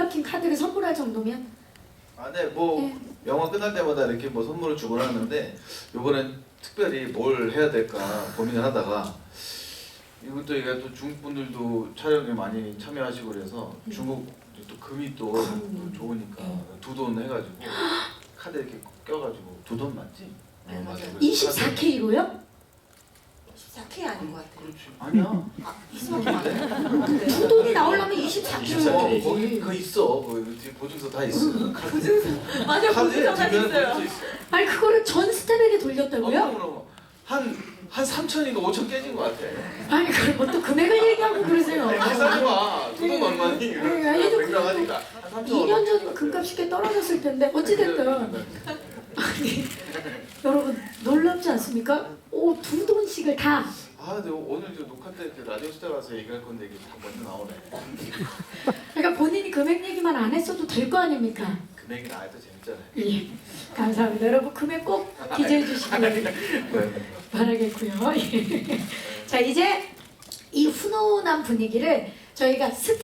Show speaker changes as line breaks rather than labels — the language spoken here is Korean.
박힌 카드를 선물할 정도면?
아, 네, 뭐
네.
영화 끝날 때마다 이렇게 뭐 선물을 주곤 하는데 이번엔 특별히 뭘 해야 될까 고민을 하다가 이것도 이게 또 중국 분들도 촬영에 많이 참여하시고 그래서 중국 또 금이 또 좋으니까 두 돈 해가지고 카드 이렇게 껴가지고 두 돈 맞지?
네, 맞아요.
24K로요?
14K 아닌 것 같아요.
그렇지. 아니야.
아, 24K 맞아요?
두 돈이 나오려면 24K로.
거기 그거 있어. 거기 뒤에 보증서 다 있어. 카드.
맞아요.
카드에
보증서가
뒷면에
있어요.
보증서 있어.
아니 그거를 전 스텝에게 돌렸다고요?
그럼 한 3천인가 5천 깨진 것 같아.
아니 그걸 뭐 또 금액을 얘기하고 그러세요?
계산해봐. 두 돈 얼마니?
아니,
맹랑하니까 한 3천
2년 전 금값이 꽤 떨어졌을 텐데 어찌됐든 아니 여러분 놀랍지 않습니까? 오, 두 돈씩을 다.
아, 근데 오늘 저 녹화 때 라디오 스타 가서 얘기할 건데 이게 다 먼저 나오네.
그러니까 본인이 금액 얘기만 안 했어도 될 거 아닙니까?
금액이 나와도 재밌잖아요.
예, 감사합니다. 여러분 금액 꼭 기재해 주시길 바라겠고요. 예. 자 이제 이 훈훈한 분위기를 저희가